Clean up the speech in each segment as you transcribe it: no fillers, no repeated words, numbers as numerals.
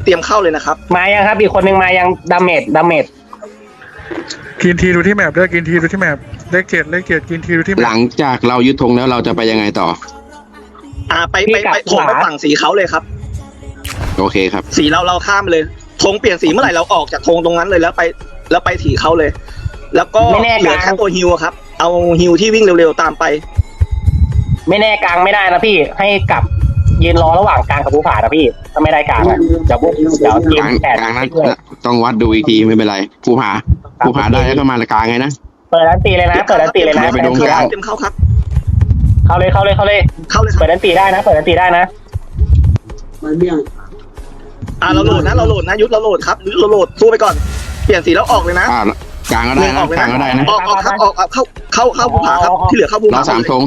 เตรียมเข้าเลยนะครับมายังครับอีกคนนึงมายังดาเมจกินทีดูที่แมปด้วยกินทีดูที่แมปเลขเจ็ดกินทีดูที่แมปหลังจากเรายึดธงแล้วเราจะไปยังไงต่อไปโถงไปฝั่งสีเขาเลยครับโอเคครับสีเราข้ามเลยธงเปลี่ยนสีเมื่อไหร่เราออกจากธงตรงนั้นเลยแล้วไปถีเขาเลย แล้วก็เหลือแค่ตัวฮิวครับเอาฮิวที่วิ่งเร็วๆตามไปไม่แน่กลางไม่ได้นะพี่ให้กลับยืนรอระหว่างกลางกับภูผานะพี่ถ้าไม่ได้กลางอะเดี๋ยวทีมแปดกลางนั้นต้องวัดดูอีกทีไม่เป็นไรภูผาได้แล้วก็มาละกลางไงนะเปิดอันตีเลยนะเปิดอันตีเลยนะไปดูกลางเต็มเข้าครับเข้าเลยเปิดอันตีได้นะเปิดอันตีได้นะเราโหลดนะยุทธเราโหลดครับเราโหลดสู้ไปก่อนเปลี่ยนสีแล้วออกเลยนะกลางก็ได้นะกลางก็ได้นะออกครับออกเข้าภูผาครับที่เหลือเข้าภูผาเรา3ธง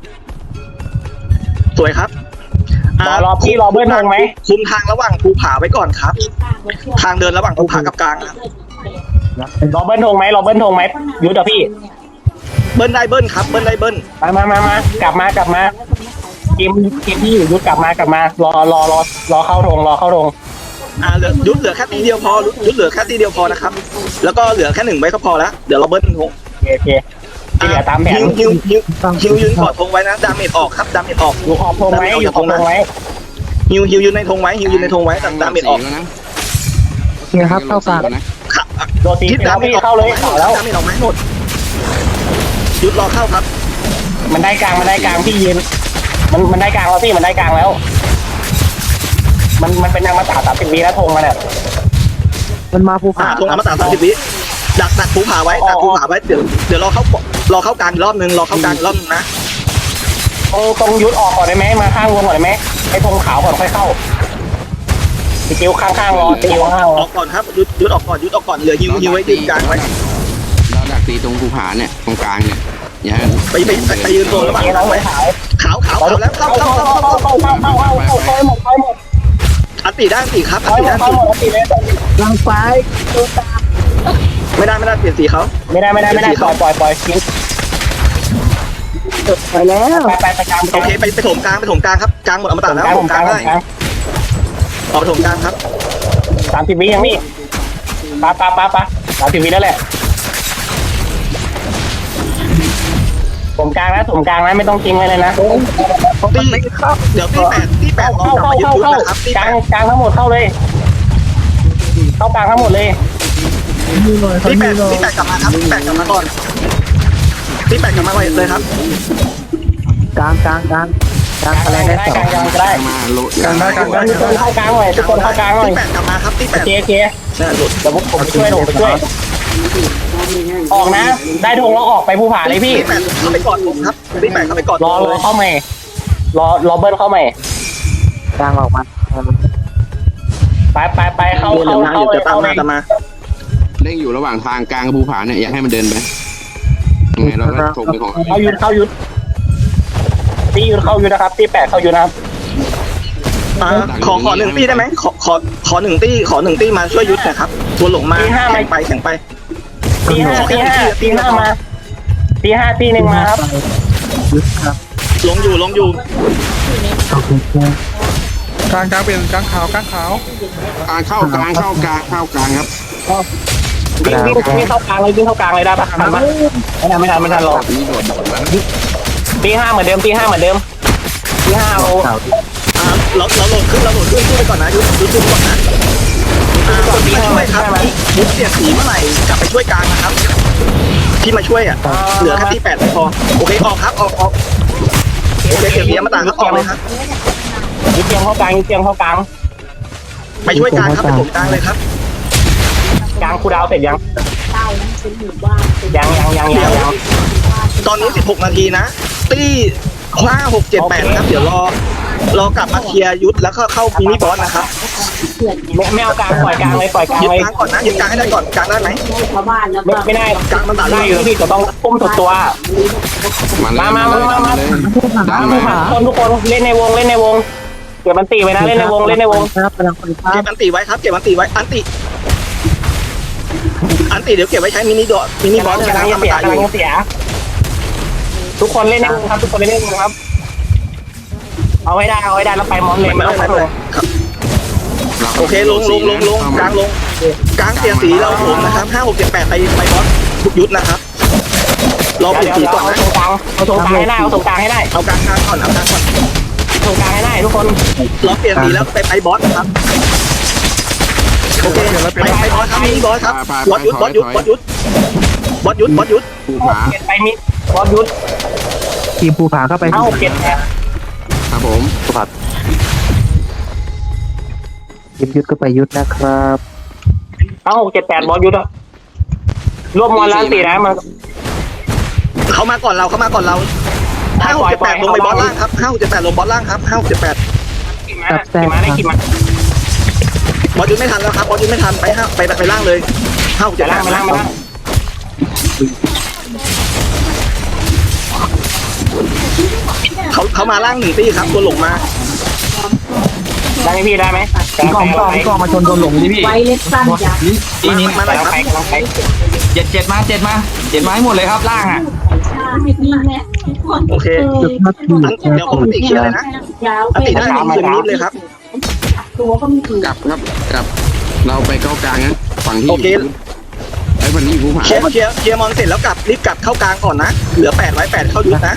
สวยครับรอพี่รอเบิ้ลธงไหมคุมทางระหว่างภูผาไว้ก่อนครับทางเดินระหว่างภูผากับกลางครับรอเบิ้ลธงไหมยุทธพี่เบิ้ลได้เบิ้ลครับเบิ้ลได้เบิ้ลมากลับมาเกมที่อยู่ยุทธกลับมารอเข้าธงยุทธเหลือแค่ตีเดียวพอยุทธเหลือแค่ตีเดียวพอนะครับแล้วก็เหลือแค่1ไว้ก็พอแล้วเดี๋ยวเราเบิ้ลธงโอเคที่เหลือตามแผนฮิวยืนกอดธงไว้นะดาเมจออกครับดาเมจออกอยู่ขอบธงไว้ฮิวยืนในธงไว้ดาเมจออกเนี่ยครับเข้ากลางโดนตีแล้วพี่เข้าเลยแล้วดาเมจออกไหมหมดยุทธรอเข้าครับมันได้กลางพี่ยืนมันได้กลางแล้วพี่มันได้กลางแล้วมันเป็นนางมาตา30 วิแล้วธงมาเนี่ยมันมาภูผาธงมาตา30 วิดักภูผาไว้เดี๋ยวรอเข้ากลางรอบนึงนะตรงยุทธออกก่อนได้ไหมมาข้างวงก่อนได้ไหมไอ้ธงขาวก่อนค่อยเข้าติวข้างรอติวข้างออกก่อนครับยุทธออกก่อนเหลือฮิวไว้ยืนกลางไว้เราดักตีตรงภูผาเนี่ยตรงกลางเนี่ยอย่าไปยืนตรงระหว่างไว้ขาวแล้วเข้าหมดอันตีได้ตีครับอันตีได้ทางซ้ายตัวตาไม่ได้เปลี่ยนสีเขาไม่ได้ปล่อยทิ้งไปแล้วไปกลางโอเคไปถมกลางครับกลางหมดอมตะแล้วถมกลางได้ออกถมกลางครับ 30 วิยังนี่ปะ30 วิแล้วแหละถมกลางนะไม่ต้องทิ้งไว้เลยนะเดี๋ยวตีแปดเข้านะครับกลางทั้งหมดเข้าเลยเข้ากลางทั้งหมดเลยตีแปดกลับมาครับตีแปดกลับมาก่อนเลยครับกลางอะไรได้กลางได้ทุกคนเข้ากลางหน่อยตีแปดกลับมาครับตีแปดโอเคใช่หลุดเดี๋ยวผมไปช่วยออกนะได้ธงแล้วออกไปภูผาเลยพี่ตีแปดเข้าไปกอดผมครับตีแปดเข้าไปกอดรอเข้าใหม่รอเบิ้ลเข้าใหม่กลางออกมาไปเข้าจะตามมาเร่งอยู่ระหว่างทางกลางกับภูผาเนี่ยอยากให้มันเดินไปยังไงเราก็ถงไปของเข้ายุดตียุดเข้ายุดนะครับตี8เข้ายุดนะครับขอ1ตีได้ไหมขอ1ตีมาช่วยยุดนะครับตัวหลงมาแข่งไปตี5มาตี5ตี1มาครับลงอยู่กลางเป็นกลางขาวกลางเข้ากลางครับวิ่งเข้ากลางเลยได้ปะทันปะไม่ทันหรอกตี5เหมือนเดิมตี5เอาเราโหลดขึ้นช่วยก่อนนะยุดก่อนนะตี5ช่วยครับยุดเสียสีเมื่อไหร่กลับไปช่วยกลางนะครับที่มาช่วยเหลือแค่ที่8พอโอเคออกครับออกโอเคเก็บเสียมาต่างครับออกเลยครับยึดเตียงเข้ากลางไปช่วยกลางครับไปผมกลางเลยครับกลางคูดาวเสร็จยังตอนนี้16 นาทีนะตี้5 6 7 8ครับเดี๋ยวรอกลับมาเคลียร์ยุทธแล้วก็เข้ามินิบอสนะครับไม่เอากลางปล่อยกลางเลยยึดกลางก่อนนะยึดกลางให้ได้ก่อนกลางได้ไหมไม่ได้กลางมันตัดได้อยู่พี่ก็ต้องพุ่มสุดตัวมาทุกคนเล่นในวงเก็บมันตีไว้นะเล่นในวงครับเก็บมันตีไว้ครับเก็บมันตีไว้อันติเดี๋ยวเก็บไว้ใช้มินิบอสกำลังเสียทุกคนเล่นในวงครับเอาให้ได้แล้วไปมอนเลยไม่ต้องไปเลยเราโอเคลงกลางลงกลางเสียสีเราผมนะครับ5 6 7 8ไปบอสยุทธนะครับรอเปลี่ยนสีก่อนนะเอาตรงกลางให้ได้เอาตรงกลางให้ได้เอากลางก่อนเอากลางก่อนตรงกลางให้ได้ทุกคนรอเปลี่ยนสีแล้วไปบอสนะครับโอเคไปบอสครับมีบอสครับบอสยุทธบอสยุทธภูผาเก็บไปมิดบอสยุทธทีมภูผาเข้าไปเอาเก็บครับผมทีมยุทธก็ไปยุทธนะครับเอา7 8บอสยุทธอะรวบมอลล้านตีนะมันเขามาก่อนเรา5 6 7 8ลงไปบอสล่างครับ5 6 7 8ลงบอสล่างครับ5 6 7 8 ขี่มาได้ขี่มาบอสยุทธไม่ทันแล้วครับบอสยุทธไม่ทันไปล่างเลย5 6 จะ 7 ล่างมาล่างมาล่าง 8เขามาล่าง1 ตีครับตัวหลงมาได้ไหมพี่ได้ไหมพี่กองมาชนโดนหลงดิพี่ไว้เล็กสั้นจ้ะตีนี้มาหน่อยครับกำลังไปเจ็ดมาให้หมดเลยครับล่างอ่ะนี่แหละโอเคเดี๋ยวผมติเคลียร์เลยนะยาวอติได้ลงคืนนิดเลยครับตัวก็มีถือกลับครับกลับเราไปเข้ากลางนะฝั่งที่โอเคไอ้ฝั่งนี้ภูผาเคลียร์มอนเสร็จแล้วรีบกลับเข้ากลางก่อนนะเหลือ8 เข้ายุทธนะ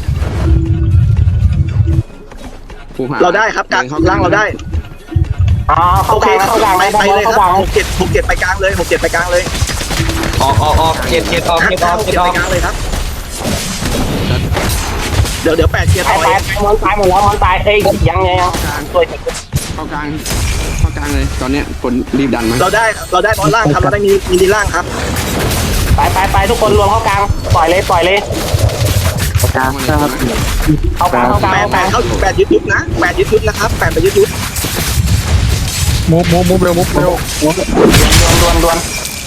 ภูผาเราได้ครับกลางล่างเราได้อ๋อโอเคครับเข้ากลางไปเลยครับ6 7ไปกลางเลย6 7ไปกลางเลยออกเจ็ดออก 5 6 7ไปกลางเลยครับเดี๋ยว8เคลียร์ตาต่ยอตายมอนตายหมดแล้วมอนตายเอ้ยยังสวยเข้ากลางเลยตอนเนี้ยคนรีบดันมาเราได้บอลล่างครับเราได้มีดีล่างครับไปทุกคนรวมเข้ากลางปล่อยเลยกลางครับเข้ากลาง 8เข้า8ยึดนะ8ยึดนะครับ8ไปยึดมุฟเร็วดวน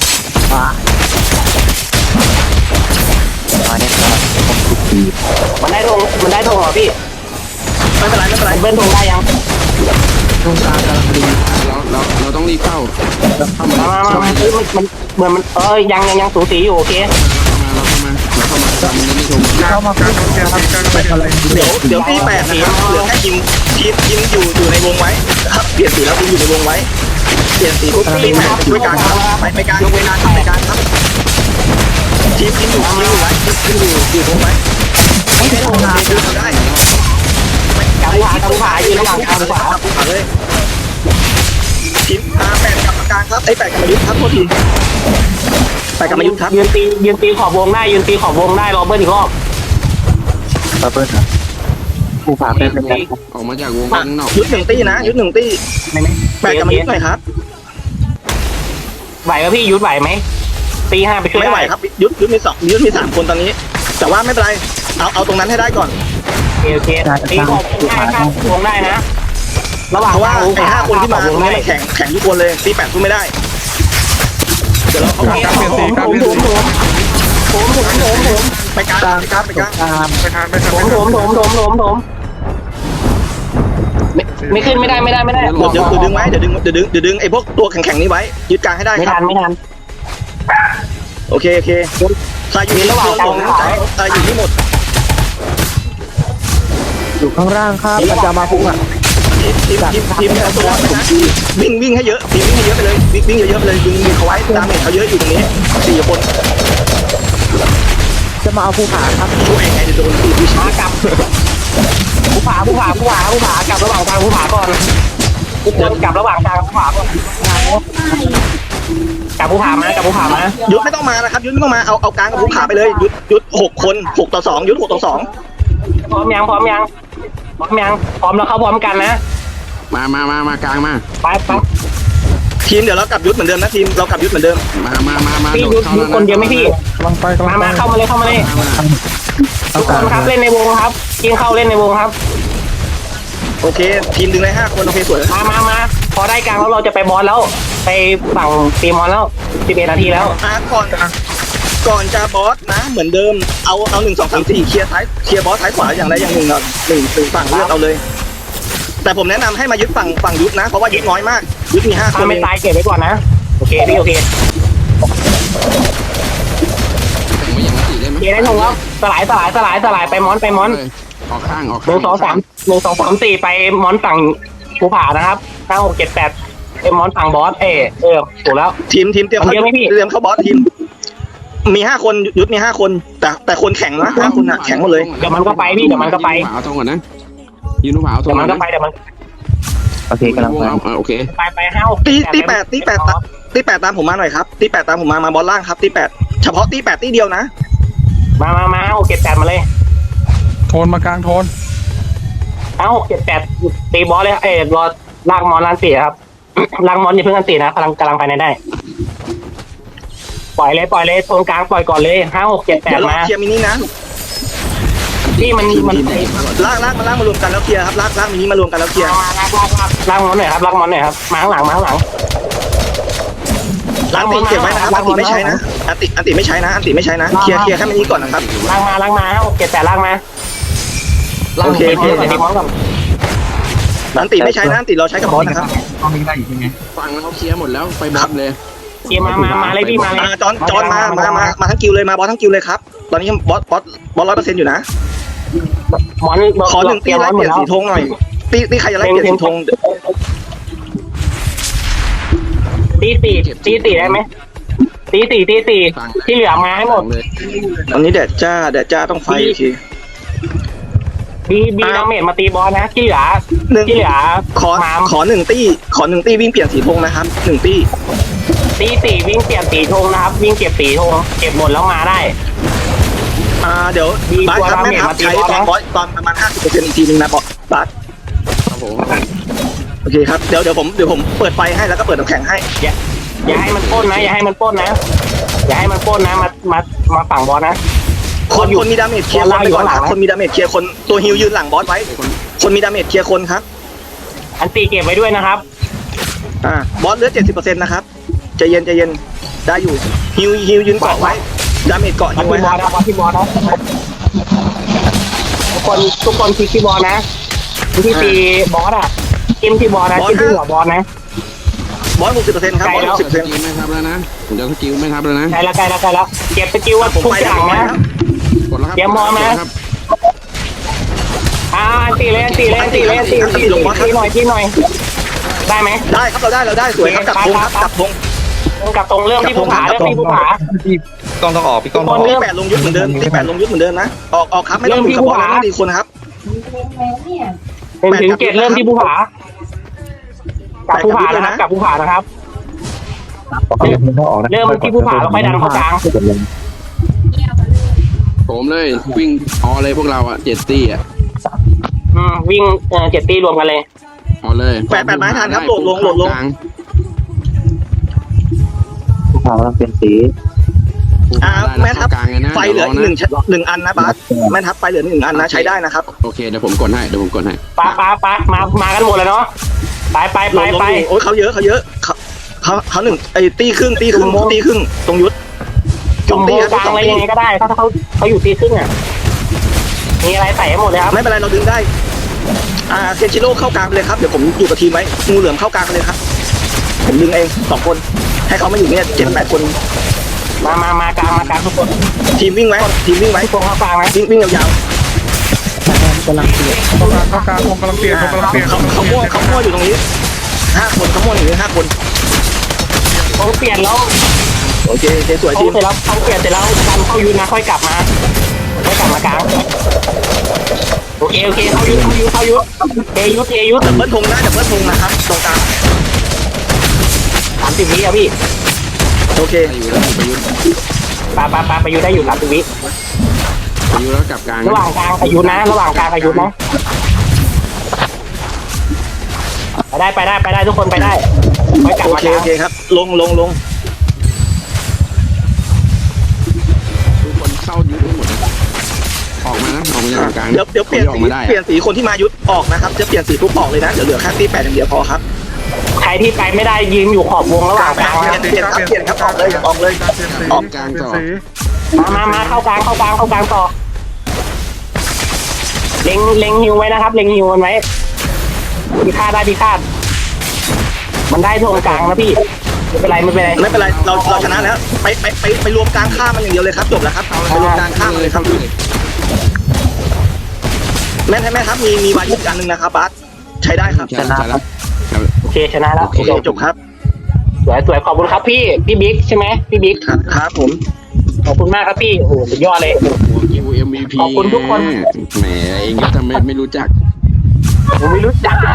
มาเนี่ยครับผมทุกทีมันได้ธงเหรอพี่ไม่เป็นไรเบิ้ลธงได้ยังตรงกลางกำลังดีเราต้องรีบเข้ามามันเหมือนมันยังสูสีอยู่โอเคเราเข้ามามันไม่ชมๆเข้ามากลางเคลียร์กลางไปอะไรเดี๋ยวที่8นะครับเหลือแค่ยิงอยู่ในวงไว้ครับเปลี่ยนสีแล้วยิงอยู่ในวงไว้เปลี่ยนสีปุ๊บที่8ช่วยกลางครับไปกลางยกเวลาไปกลางครับทีมยิงอยู่ไว้อยู่วงไว้ไม่ได้ทำงานดูได้กลางขวายืนระหว่างกลางขวาเลยทีม8กับกลางครับ8กับมายุทธครับโทษที8กับมายุทธครับยืนตีขอบวงได้รอเบิ้ลอีกรอบบับเบิ้ลครับภูผาเป็นยังไงออกมาจากวงข้างนอกยุทธ1 ตีนะยุทธ1 ตี8กับมายุทธหน่อยครับไหวป่ะพี่ยุดไหวไหมตี5ไปช่วยไม่ไหวครับยุทธมี3 คนตอนนี้ แต่ว่าไม่เป็นไรเอาตรงนั้นให้ได้ก่อนโอเคตีขอบวงได้นะระหว่างเพราะว่าไอ้5 คนที่มาตรงนี้มันแข่งทุกคนเลยตี8สู้ไม่ได้เดี๋ยวเราเอากลางเปลี่ยนสีกลางเปลี่ยนสีไปกลางตามไม่ทันไม่ขึ้นไม่ได้เดี๋ยวดึงไว้เดี๋ยวดึงไอ้พวกตัวแข็งๆนี้ไว้ยึดกลางให้ได้ไม่ครัทับนไม่ทันโอเคใครอยู่ในระหว่างกลางอยู่ที่หมดอยู่ข้างล่างครับมันจะมาพุ่งอ่ะทีมตัวนะวิ่งให้เยอะทีมวิ่งให้เยอะไปเลยวิ่งเยอะๆไปเลยดึงเขาไว้ดาเมจเขาเยอะอยู่ตรงนี้4 คนจะมาเอาภูผาครับช่วยยังไงจะโดนตีผู้ชามากลับผู้ผากลับระหว่างกลางผู้ผาก่อนทุกคนกลับระหว่างกลางผู้ผาก่อนกลับผู้ผามายุทธไม่ต้องมานะครับยุทธไม่ต้องมาเอากลางกับผู้ขาไปเลยยุทธ6 คน6 ต่อ 2ยุทธ6 ต่อ 2 พร้อมยังพร้อมแล้วเข้าพร้อมกันนะมากลางมาไปทีมเดี๋ยวเรากลับยุทธเหมือนเดิมนะทีมเรากลับยุทธเหมือนเดิมมาพี่ยุดคนเดียวไหมพี่กำลังไปมาเข้ามาเลยทุกคนครับเล่นในวงครับกินเข้าเล่นในวงครับโอเคทีมดึงได้5 คนโอเคสวยมาพอได้กลางแล้วเราจะไปบอสแล้วไปฝั่งตีมอนแล้ว11 นาทีแล้วก่อนจะบอสนะเหมือนเดิมเอา1 2 3 4เคลียร์บอสท้ายขวาอย่างใดอย่างหนึ่งก่อน1ฝั่งเลือกเอาเลย แต่ผมแนะนำให้มายึดฝั่งยุทธนะเพราะว่ายุทธน้อยมากยุทธมี5 คนไม่ตายเก็บไว้ก่อนนะโอเคพี่โอเคแต่งมาอย่างนั้นได้ไหมเกได้ทงแล้วสลายไปมอนออกข้าง 1 2 3 4ไปมอนฝั่งภูผานะครับ5 6 7 8 มอนฝั่งบอสถูกแล้วทีมเตรียมมันเข้าเยอะไหมพี่เตรียมเข้าบอสทีมมี5 คนยุทธมี5 คนแต่คนแข็งนะ5 คนน่ะแข็งหมดเลยเดี๋ยวมันก็ไปพี่เดี๋ยวมันก็ไปเอาทองก่อนนะยืนหนูผาเอาทอเดี๋งยวมันก็ไปเดี๋ยวมันโอเคกำลังไปโอเคไปห้าตีแปดตามผมมาหน่อยครับตี8ตามผมมาบอลล่างครับตี8เฉพาะตี8ตีเดียวนะมา6 7 8มาเลยโทนมากลางโทน 6 7 8ตีบอสเลยรอลากมอนลานตีครับ ลากมอนอย่าเพิ่งกันตีนะกำลังไปในได้ปล่อยเลยโซนกลางปล่อยก่อนเลย5 6 7 เดี๋ยว 8 รอมาเคลียร์มินินะพี่มันลากมารวมกันแล้วเคลียร์ครับลากมินิมารวมกันแล้วเคลียร์ลากมอนหน่อยครับลากมอนหน่อยครับมาข้างหลังลากตีเก็บไว้นะครับอันติไม่ใช้นะอันติไม่ใช้นะเคลียร์แค่มินิก่อนนะครับลากมา5 6 7 8ลากมาโอเคตีมอนก่อนอันติไม่ใช้นะอันติเราใช้กับบอสนะครับต้องมีได้อยู่ใช่ไหมฟังแล้วเขาเคลียร์หมดแล้วไปบอสเลยเกียร์มาเลยพี่มาเลยจอนมาทั้งกิวเลยมาบอสทั้งกิวเลยครับตอนนี้บอส100%อยู่นะมอนขอ1 ตีไล่เปลี่ยนสีธงหน่อยตีใครจะไล่เปลี่ยนสีธงตีได้ไหมตีที่เหลือมาให้หมดตอนนี้แดดจ้าต้องไฟอีกทีบีดาเมจมาตีบอสนะที่เหลือขอ1 ตีวิ่งเปลี่ยนสีธงนะครับ1 ตีตีวิ่งเปลี่ยนสีธงนะครับวิ่งเก็บสีธงเก็บหมดแล้วมาได้เดี๋ยวบาสครับแม่ทัพใช้ตอนประมาณ 50% อีกทีนึงนะบาสครับผมโอเคครับเดี๋ยวผมเปิดไฟให้แล้วก็เปิดน้ำแข็งให้อย่าให้มันป้นนะอย่าให้มันป้นนะมาฝั่งบอสนะคนมีดาเมจเคลียร์คนไปก่อนครับคนมีดาเมจเคลียร์คนตัวฮิวยืนหลังบอสไว้คนมีดาเมจเคลียร์คนครับอันตีเก็บไว้ด้วยนะครับบอสเหลือ 70% นะครับใจเย็นได้อยู่ฮิวยืนเกาะไว้ดาเมจเกาะบอฮิวไว้สครับที่บอสนะทุกคนคิดที่บอสนะที่ตีบอสอ่ะจิ้มที่บอสนะจิ้มที่หัวบอสนะบอส 60% ครับบอสสกิลไม่ทับแล้วนะผมจะสกิลไม่ทับแล้วนะใกล้แล้วเก็บสกิลว่า 60%ผมทุกไปอย่างนะกดแล้วครับเตรียมมองนะ ตีเลยตีหน่อยได้ไหมได้ครับเราได้สวยครับจับธงครับจับธงกลับตรงเรื่องที่ผู้ผาพี่กล้องต้องออกพี่กล้องต้องออกตี8ลงยุทธเหมือนเดิมนะออกครับไม่ต้องดูกับบอสไม่ต้องดีคนครับถึง7เริ่มที่ผู้ผากับผู้ผานะครับกับผู้ผานะครับต้องออกนะเริ่มที่ผู้ผาแล้วค่อยดันเข้ากลางผมเลยวิ่งออเลยพวกเราอ่ะ7 ตีอ่ะวิ่ง7ตีรวมกันเลยออเลย 8ไม้ทันครับโหลดลงผู้พาเราเป็นสีแม่ทัพกลางเลยนะไฟเหลือ1อันนะบาสแม่ทัพไฟเหลือ1 อันนะใช้ได้นะครับโอเคเดี๋ยวผมกดให้ป้ามากันหมดเลยเนาะไปโอ้ยเขาเยอะเขา1ไอ้ตีครึ่งตรงยุทธจุ่มโมกลางอะไรยังไงก็ได้ถ้าเขาอยู่ตีครึ่งอ่ะมีอะไรใส่ให้หมดเลยครับไม่เป็นไรเราดึงได้เซนชิโร่เข้ากลางไปเลยครับเดี๋ยวผมอยู่กับทีมไว้งูเหลือมเข้ากลางไปเลยครับผมดึงเอง2 คนให้เขามาอยู่เนี่ย7-8 คนมากลางทุกคนทีมวิ่งไว้ทุกคนเข้ากลางนะวิ่งยาวกำลังเปลี่ยนเข้ากลางวงกำลังเปลี่ยนเขามั่วอยู่ตรงนี้5 คนเขามั่วอยู่นี่5 คนเขาเปลี่ยนแล้วโอเคสวยเขาทีมเสร็จแล้วเขาเปลี่ยนเสร็จแล้วดันเข้ายูนะค่อยกลับมากลางโอเคเข้ายุเอยุดับเบิลธงนะครับตรงกลาง 30 วิอ่ะพี่โอเคไปอยู่แล้วไปยุทธไปยูได้อยู่30 วิไปยุทธแล้วกลับกลางระหว่างกลางอายุนะไปได้ทุกคนไปได้ค่อยกลับโอมาเคกลางครับลงทุกคนเข้ายุทธทั้งหมดนะออกมาจากกลางเดี๋ยวเปลี่ยนสีคนที่มายุทธออกนะครับจะเปลี่ยนสีทุกออกเลยนะเดี๋ยวเหลือแค่ตี8อย่างเดียวพอครับใครที่ไปไม่ได้ยืนอยู่ขอบวงระหว่างกลางเปลี่ยนครับออกเลยออกกลางต่อมาเข้ากลางต่อเล็งฮิวไว้นะครับเล็งฮิวมันไว้พิฆาตมันได้ตรงกลางนะพี่ไม่เป็นไรเราชนะแล้วไปรวมกลางข้ามมันอย่างเดียวเลยครับจบแล้วครับไปรวมกลางข้ามเลยครับแม่ครับมีวายุทธ์อันนึงนะครับบาสใช้ได้ครับใช่แล้วโอเคเคชนะแล้วโอเคจบครับสวยสวยขอบคุณครับพี่บิ๊กใช่ไหมพี่บิ๊กครับผมขอบคุณมากครับพี่โอ้โหสุดยอดเลยหัวกิว MVP ขอบคุณทุกคนแหมเองก็ทำไมไม่รู้จักผมไม่รู้จัก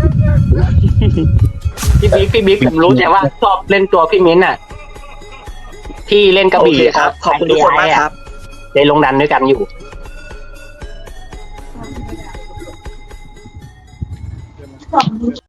พี่บิ๊กผมรู้แต่ว่าชอบเล่นตัวพี่มิ้นท์อ่ะที่เล่นกระโอบี่เคครับ ขอบคุณทุกคนมากครับได้ลงดันด้วยกันอยู่